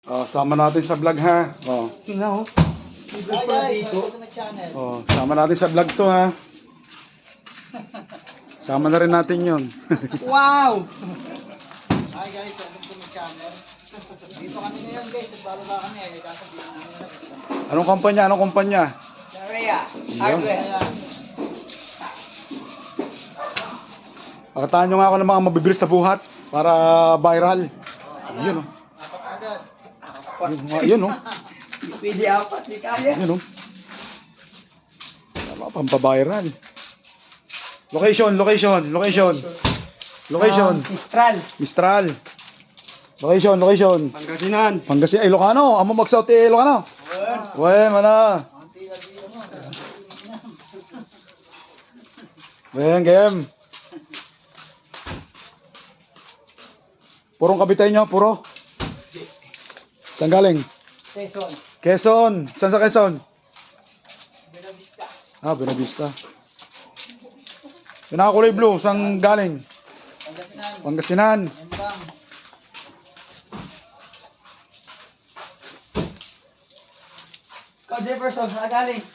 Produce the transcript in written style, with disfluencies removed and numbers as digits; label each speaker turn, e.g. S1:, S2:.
S1: Oh, sama natin sa vlog ha. Oh.
S2: Tingnan oh. May vlog pala dito.
S1: Oh, sama natin sa vlog to ha. Sama na rin natin 'yon.
S2: Wow!
S3: Hi guys, welcome to my channel. Dito kami ngayon guys, nagbababa kami eh. Kasabihin namin.
S1: Anong kumpanya? Anong kumpanya?
S2: Sharia. Hardware.
S1: Pakataan nyo nga ako ng mga mabibilis sa buhat para viral. Yun oh.
S3: Apat agad.
S1: Yun oh.
S2: Pwede apat, di kaya.
S1: Yun oh. Tama, pampaviral. Location.
S2: Mistral.
S1: Mistral. Location.
S2: Pangasinan.
S1: Pangasinan. Ilocano. Amo mag-south Ilocano. Wen, mana. Wen, game. Purong kabitay nyo, puro. Saan galing?
S2: Quezon.
S1: Quezon. Saan sa Quezon?
S2: Benavista.
S1: Ah, Benavista. Yung nakakulay blue, saan galing? Pangasinan.
S3: Embang.
S2: Ikaw, Jefferson, saan galing?